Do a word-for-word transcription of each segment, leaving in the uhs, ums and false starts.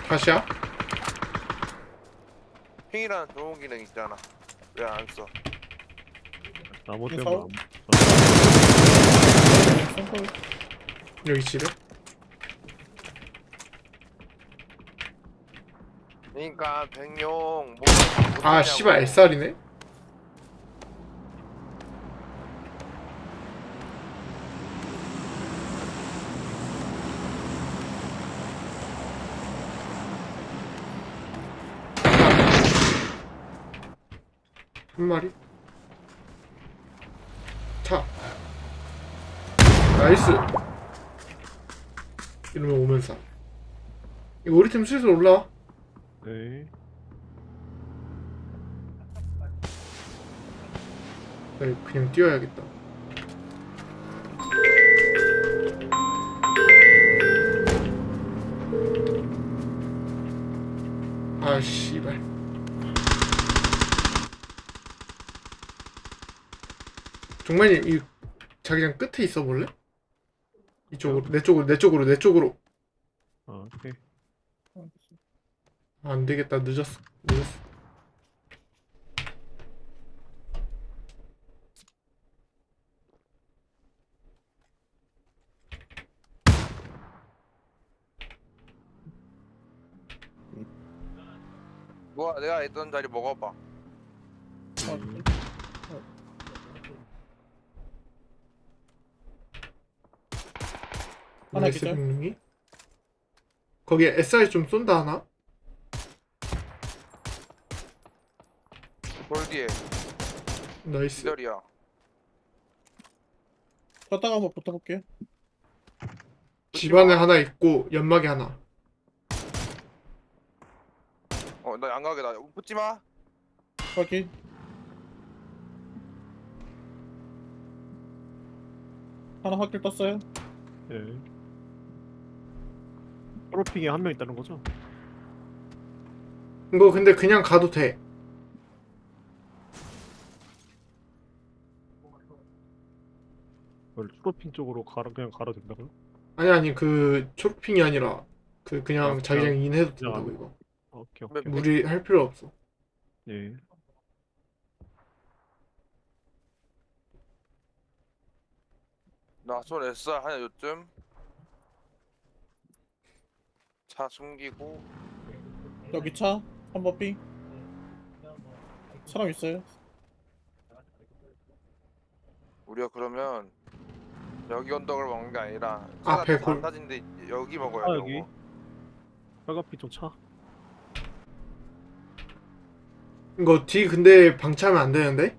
다시야? 핑이라는 좋은 기능 있잖아. 왜 안 써? 나무 이거 때문에 선걸 여기 지뢰? 그러니까 백룡 뭐 아 씨발 에스알이네? 한 마리? 차 나이스. 이러면 오면서 이거 우리 팀 슬슬 올라와. 네. 나 그냥 뛰어야겠다. 아 씨발. 종만님 이 자기장 끝에 있어 볼래? 이쪽으로 내 쪽으로 내 쪽으로 내 쪽으로. 아, 오케이. 아, 안 되겠다. 늦었어. 늦었어. 뭐야 내가 있던 자리 먹어봐. 하나 나이스 기절. 빅님이. 거기에 에스알 좀 쏜다 하나? 돌 뒤에 나이스. 기절이야. 걷다가 한번 붙어볼게요. 집안에 하나 있고 연막에 하나. 어나 양각이다. 붙지 마. 확인. 하나 확길 떴어요. 예. 프로핑에 한 명 있다는 거죠? 이거 근데 그냥 가도 돼. 그걸 프로핑 쪽으로 가라 그냥 가라 된다고요? 아니 아니 그 초록핑이 아니라 그 그냥 아, 자기장 그냥- 인해도 그냥- 된다고 이거. 아, 오케이. 오케이. 무리할 필요 없어. 예. 나손 에스알 하냐 요즘. 차 숨기고. 여기 차. 삼 번 핑. 사람 있어요. 우리가 그러면 여기 언덕을 먹는 게 아니라 앞에 차가 골- 안 타진데 여기 먹어야 아, 돼. 여기? 이거. 빨간빛 좀 차. 이거 뒤 근데 방치하면 안 되는데?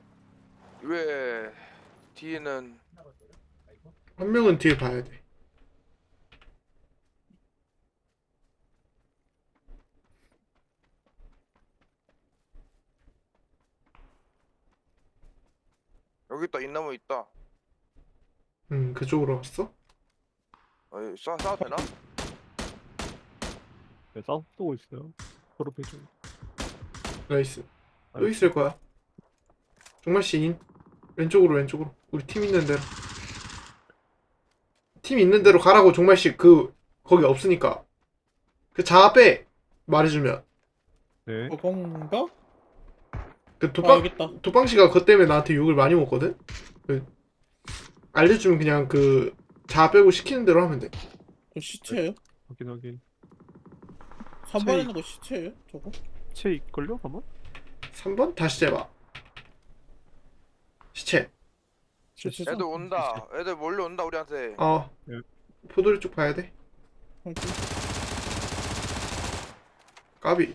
왜 뒤에는 한 명은 뒤에 봐야 돼. 여기 있다. 인나무 있다. 음 그쪽으로 갔어? 어이, 쏴 쏴도 되나? 네, 싸움 쏘고 있어요. 프로핑 쪽. 나이스. 또 있을 거야. 정말 시인. 왼쪽으로 왼쪽으로. 우리 팀 있는 대로. 팀 있는 대로 가라고 정말 씨 그 거기 없으니까. 그 자 빼 말해주면. 네. 어, 건가? 그 아 도빵 여기 있다. 도빵 씨가 그것 때문에 나한테 욕을 많이 먹거든. 그 알려주면 그냥 그 자 빼고 시키는 대로 하면 돼. 저 시체예요? 확인 확인. 삼 번에 체- 있는 거 시체예요? 저거? 채 있걸요? 아마? 삼 번 다시 재봐. 시체. 시체. 애들 온다. 애들 몰려온다 우리한테. 어. 네. 포도리 쪽 봐야 돼. 확인. 까비.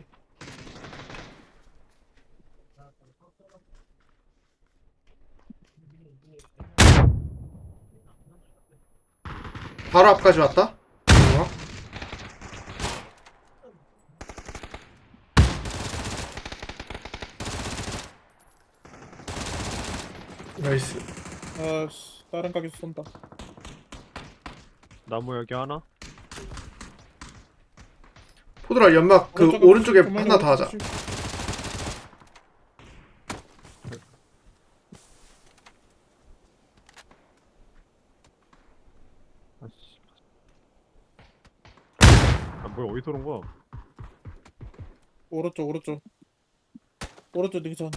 바로 앞까지 왔다. 좋아. 나이스. 아씨 다른 가게에서 쏜다. 나무 여기 하나? 포도라 연막 그 오른쪽에 오른쪽에 조심, 하나 더 하자. 조심. 아씨. 안 뭐야 어디서 오는 거야? 오른쪽 오른쪽 오른쪽 능선.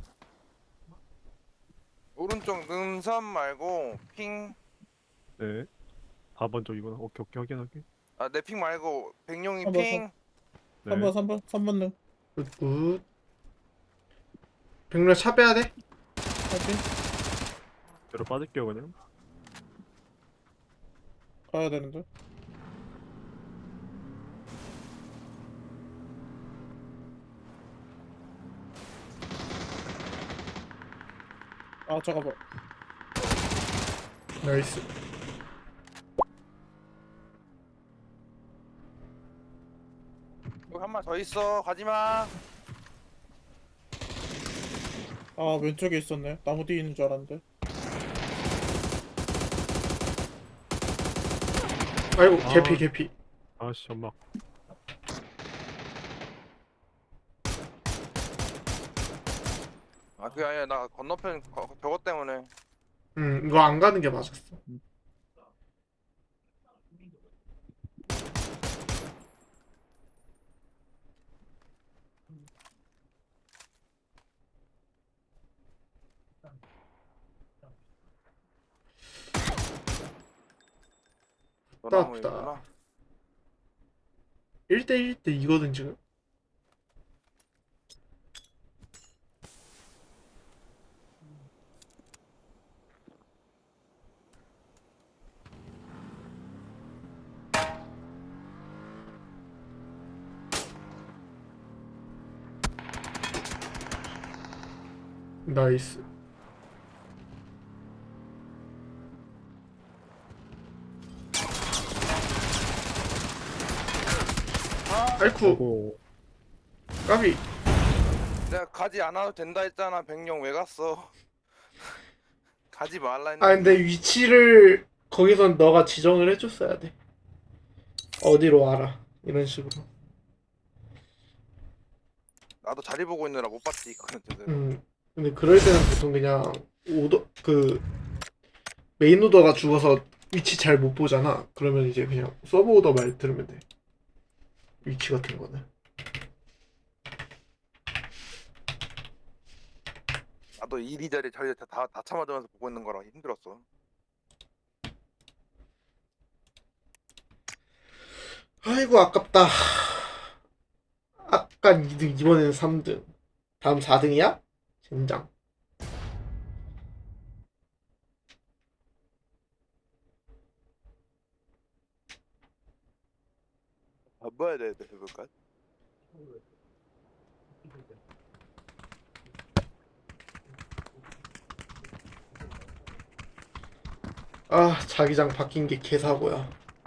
오른쪽 능선 말고 핑. 네. 사 번 쪽이구나. 오케이 오케이 확인 확인. 아, 내 핑 말고 백룡이 한번 핑. 네. 삼 번 삼 번 삼 번 능. 굿굿. 백렬 차 빼야 돼? 할게. 뒤로 빠질게요 그냥. 가야 되는데. 아 잠깐만. 나이스. 여기 한 마 더 있어. 가지마. 아 왼쪽에 있었네. 나무 뒤에 있는 줄 알았는데. 아이고 아. 개피 개피. 아씨 엄마. 아, 그게 아니라 나 건너편 거- 저거 때문에. 음 이거 안 가는 게 맞았어. 너나무이구나. 일 대 일 대 이거든 지금. 나이스. 아이쿠 그리고 까비. 내가 가지 않아도 된다 했잖아. 백룡 왜 갔어? 가지 말라 했는데. 아 근데 위치를 거기선 너가 지정을 해줬어야 돼. 어디로 와라 이런 식으로. 나도 자리 보고 있느라 못 봤지 이거는 제대로. 음 근데 그럴 때는 보통 그냥 오더 그 메인 오더가 죽어서 위치 잘 못 보잖아. 그러면 이제 그냥 서브 오더 말 들으면 돼. 위치 같은 거는. 나도 이리저리 저리 다, 다, 다 참아주면서 보고 있는 거라 힘들었어. 아이고 아깝다. 아까 이 등 이번에는 삼 등. 다음 사 등이야? 젠장. 바꿔야 돼, 해볼까? 아 자기장 바뀐 게 개사고야.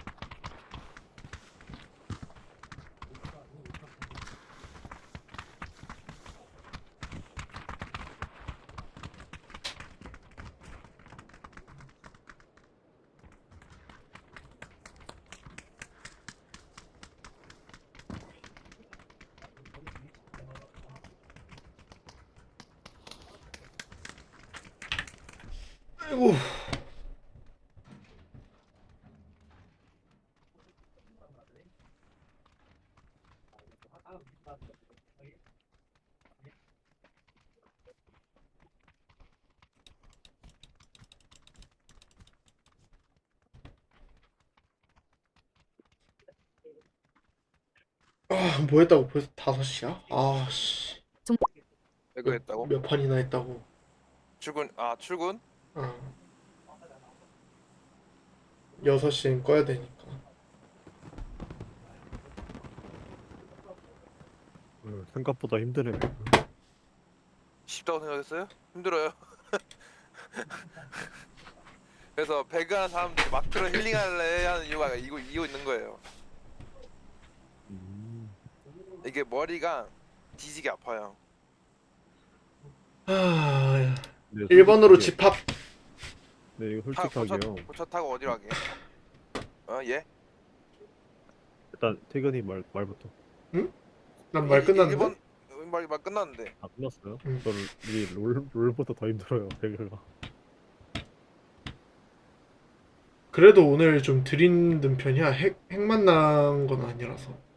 아이고. 아, 뭐 했다고 벌써 다섯 시야? 아, 씨. 이거 했다고? 몇 판이나 했다고. 출근, 아 출근? 아. 여섯 시엔 꺼야 되니까. 어, 생각보다 힘드네. 쉽다고 생각했어요? 힘들어요. 그래서 배그하는 사람들이 마크로 힐링할래 하는 이유가 이거 이유 있는 거예요. 음. 이게 머리가 뒤지게 아파요. 아, 네, 일 번으로 솔직하게- 집합. 네 이거 타 고차, 솔직하게요. 고차 타고 어디로 가게? 어 예? 일단 태근이 말 말부터. 난 말 끝났는데? 일 번 말, 말 끝났는데. 아 끝났어요? 음. 저는 이롤 롤보다 더 힘들어요 배그가. 그래도 오늘 좀 덜 힘든 편이야. 핵, 핵 만난 건 아니라서.